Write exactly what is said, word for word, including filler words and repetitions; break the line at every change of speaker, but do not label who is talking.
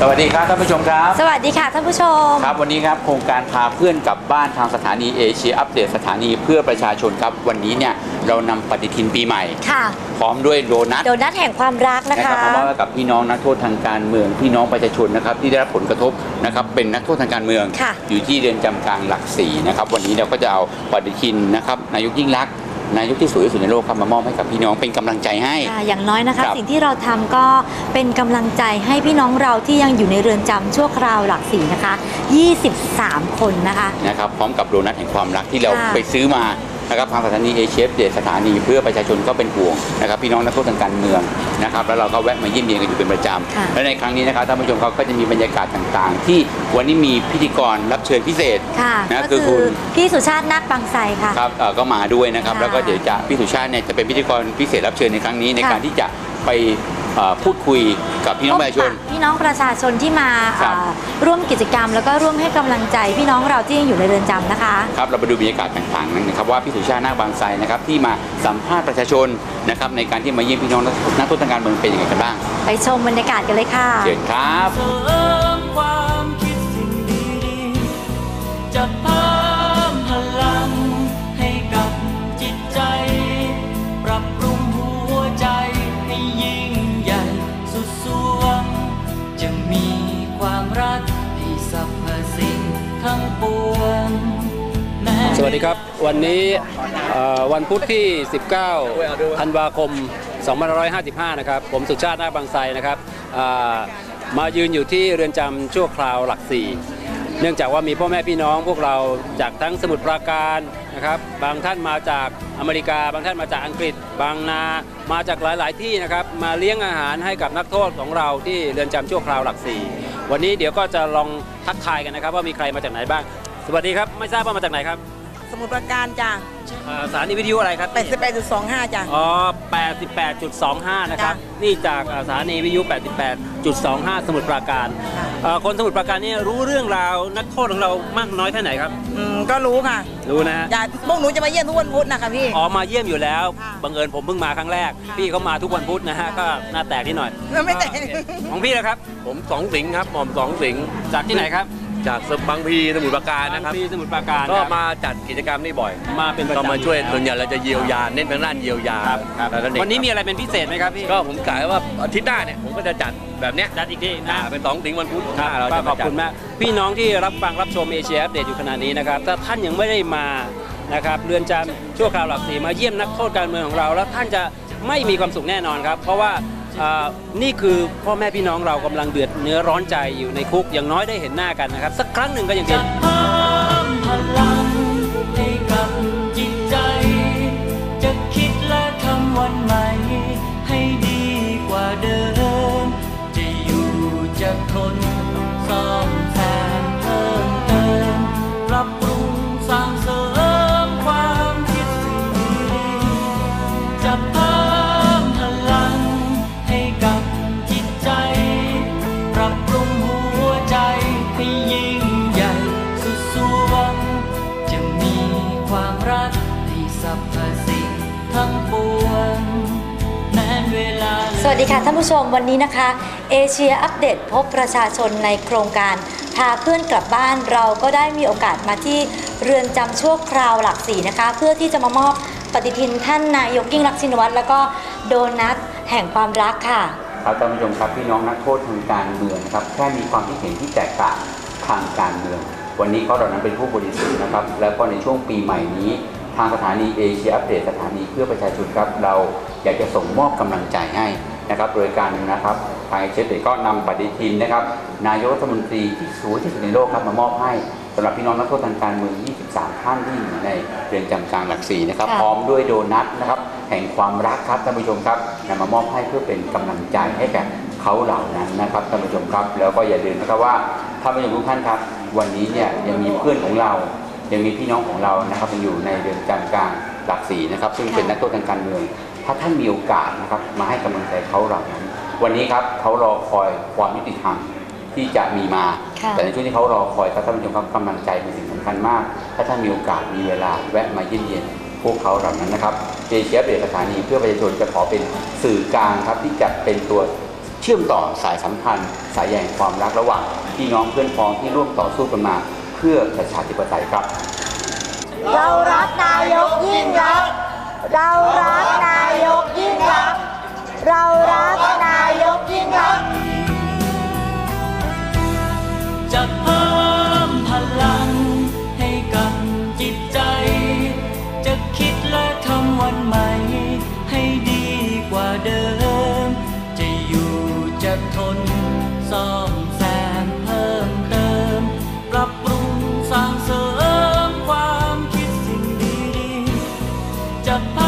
วัสดีครับท่านผู้ชมครับ
สวัสดีค่ะท่านผู้ชม
ครับวันนี้ครับโครงการพาเพื่อนกลับบ้านทางสถานีเอเชียอัปเดตสถานีเพื่อประชาชนครับวันนี้เนี่ยเรานำปฏิทินปีใหม่ค่ะพร้อมด้วยโดนัท
โดนัทแห่งความรักนะคะ
นะครับมอบให้กับพี่น้องนักโทษทางการเมืองพี่น้องประชาชนนะครับที่ได้รับผลกระทบนะครับเป็นนักโทษทางการเมืองอยู่ที่เรือนจำกลางหลักสี่นะครับวันนี้เราก็จะเอาปฏิทินนะครับนายกยิ่งลักษณ์นายกที่สวยที่สุดในโลกครับมามอบให้กับพี่น้องเป็นกำลังใจให้
อย่างน้อยนะคะสิ่งที่เราทำก็เป็นกำลังใจให้พี่น้องเราที่ยังอยู่ในเรือนจำชั่วคราวหลักสี่นะคะยี่สิบสามคนนะคะ
นะครับพร้อมกับโดนัทแห่งความรักที่เราไปซื้อมานะครับทางสถานีเอเชียเดสถานีเพื่อประชาชนก็เป็นห่วงนะครับพี่น้องนักโทษทางการเมืองนะครับแล้วเราก็แวะมาเยี่ยมเยียนกันอยู่เป็นประจำและในครั้งนี้นะครับท่านผู้ชมเขาก็จะมีบรรยากาศต่างๆที่วันนี้มีพิธีกรรับเชิญพิเศษ
นะคือคุณพี่สุชาตินาคบางไทรค่ะ
ครับก็มาด้วยนะครับแล้วก็เดี๋ยวจะพี่สุชาติเนี่ยจะเป็นพิธีกรพิเศษรับเชิญในครั้งนี้ในการที่จะไปพูดคุยกับพี่น้องประชาชน
พี่น้องประชาชนที่มาร่วมกิจกรรมแล้วก็ร่วมให้กำลังใจพี่น้องเราที่ยังอยู่ในเรือนจำนะคะ
ครับเราไปดูบรรยากาศต่างๆนั้นนะครับว่าพี่สุชาตินาคบางไทรนะครับที่มาสัมภาษณ์ประชาชนนะครับในการที่มาเยี่ยมพี่น้องนักโทษทางการเมืองเป็นยังไงกันบ้าง
ไปชมบรรยากาศกันเลยค่ะ
เชิญครับ
จะเพิ่มพลังให้กับจิตใจปรับปรุงหัวใจให้ยิ่งใหญ่สุดสวงจะมีความรักที่สรรพสิ่งทั้งปวง
สวัสดีครับวันนี้วันพุธที่สิบเก้าธันวาคมสองพันห้าร้อยห้าสิบห้านะครับผมสุชาตินาคบางไทรนะครับมายืนอยู่ที่เรือนจำชั่วคราวหลักสี่เนื่องจากว่ามีพ่อแม่พี่น้องพวกเราจากทั้งสมุทรปราการนะครับบางท่านมาจากอเมริกาบางท่านมาจากอังกฤษบางนามาจากหลายๆที่นะครับมาเลี้ยงอาหารให้กับนักโทษของเราที่เรือนจำชั่วคราวหลักสี่วันนี้เดี๋ยวก็จะลองทักทายกันนะครับว่ามีใครมาจากไหนบ้างสวัสดีครับไม่ทราบว่ามาจากไหนครับ
สมุทรปราการจ้ะ
สถานีวิทยุอะไรครับ
แปดสิบแปดจุดสองห้า จ้ะ
อ๋อ แปดสิบแปดจุดสองห้า นะครับนี่จากสถานีวิทยุ แปดสิบแปดจุดสองห้า สมุทรปราการคนสมุทรปราการนี่รู้เรื่องราวนักโทษของเรามากน้อยแค่ไหนครับ
อืมก็รู้ค่ะ
รู้นะ
อย่าพวกหนูจะมาเยี่ยมทุกวันพุธนะคะพี่
อ๋อมาเยี่ยมอยู่แล้วบังเอิญผมเพิ่งมาครั้งแรกพี่เขามาทุกวันพุธนะฮะก็หน้าแตกนิดหน่อย
ไม่แตก
ของพี่นะครับ
ผมสองสิงห์ครับหม่อมสองสิงห์
จากที่ไหนครับ
จากบางพีสมุทรปราการนะครับ
บางพีสมุทรปราการ
ก็มาจัดกิจกรรมนี่บ่อย
มาเป็นประจำ
มาช่วยส่วนใหญ่เราจะเยียวยาเน้นทางด้านเยียวยา
วันนี้มีอะไรเป็นพิเศษไหมครับพี่
ก็ผมกะว่าอาทิตย์หน้าเนี่ยผมก็จะจัดแบบเนี้ย
จัดอีกทีนะ
เป็นสองสิงห์วันพุธ
เราจะขอบคุณมากพี่น้องที่รับฟังรับชมเอเชียอัปเดตอยู่ขณะนี้นะครับถ้าท่านยังไม่ได้มานะครับเรือนจำชั่วคราวหลักสี่มาเยี่ยมนักโทษการเมืองของเราแล้วท่านจะไม่มีความสุขแน่นอนครับเพราะว่านี่คือพ่อแม่พี่น้องเรากำลังเดือดเนื้อร้อนใจอยู่ในคุกอย่างน้อยได้เห็นหน้ากันนะครับสักครั้งหนึ่งก็ยังดี
จะเพิ่มพลังให้กับจิตใจจะคิดและทำวันใหม่ให้ดีกว่าเดิมจะอยู่จะทนซ่อมแซมเพิ่มเติมปรับปรุงสร้างเสริมความคิดสิ่งดีจะเพิ่มพลังให้กับจิตใจปรับปรุงหัวใจให้ยิ่งใหญ่สุดสวงจะมีความรักที่สรรพสิ่งทั้งปวงแม้เวลา
สวัสดีค่ะท่านผู้ชมวันนี้นะคะเอเชียอัปเดตพบประชาชนในโครงการพาเพื่อนกลับบ้านเราก็ได้มีโอกาสมาที่เรือนจำชั่วคราวหลักสี่นะคะเพื่อที่จะมามอบปฏิทินท่านนายกยิ่งลักษณ์ชินวัตรแล้วก็โดนัทแห่งความรักค่ะ
ครับท่านผู้ชมครับพี่น้องนักโทษทางการเมืองนะครับแค่มีความคิดเห็นที่แตกต่างทางการเมืองวันนี้เขาเหล่านั้นเป็นผู้บริสุทธิ์นะครับแล้วก็ในช่วงปีใหม่นี้ทางสถานีเอเชียอัปเดตสถานีเพื่อประชาชนครับเราอยากจะส่งมอบกำลังใจให้นะครับโดยการนะครับทางเอเชียอัปเดตก็นำปฏิทินนะครับนายกรัฐมนตรีที่สวยที่สุดในโลกครับมามอบให้สำหรับพี่น้องนักโทษทางการเมืองยี่สิบสามท่านที่อยู่ในเรือนจำกลางหลักสี่นะครับพร้อมด้วยโดนัทนะครับแห่งความรักครับท่านผู้ชมครับนำมามอบให้เพื่อเป็นกำลังใจให้แก่เขาเหล่านั้นนะครับท่านผู้ชมครับแล้วก็อย่าลืมนะครับว่าท่านผู้ชมทุกท่านครับวันนี้เนี่ยยังมีเพื่อนของเรายังมีพี่น้องของเรานะครับยังอยู่ในเรือนจำกลางหลักสี่นะครับซึ่งเป็นนักโทษทางการเมืองถ้าท่านมีโอกาสนะครับมาให้กำลังใจเขาเหล่านั้นวันนี้ครับเขารอคอยความยุติธรรมที่จะมีมาแต่ในช่วงที่เขารอคอยท่านผู้ชมครับกำลังใจเป็นสิ่งสำคัญมากถ้าท่านมีโอกาสมีเวลาแวะมาเยี่ยมเยียนพวกเขาเหล่านั้นนะครับเอเชียอัปเดตสถานีเพื่อประชาชนจะขอเป็นสื่อกลางครับที่จะเป็นตัวชื่อมต่อสายสัมพันธ์สายใยแห่งความรักระหว่างพี่น้องเพื่อนพ้องที่ร่วมต่อสู้กันมาเพื่อประชาธิปไตยครับ
เรารักนายกยิ่งรักเรารักนายกยิ่งรักเรารักนายกยิ่งรัก
จะเพิ่มพลังให้กับจิตใจ จะคิดและทำวันใหม่ให้ดีกว่าเดิม จะอยู่จะทนซ่อมแซมเพิ่มเติม ปรับปรุงสร้างเสริมความคิดสิ่งดีๆจะ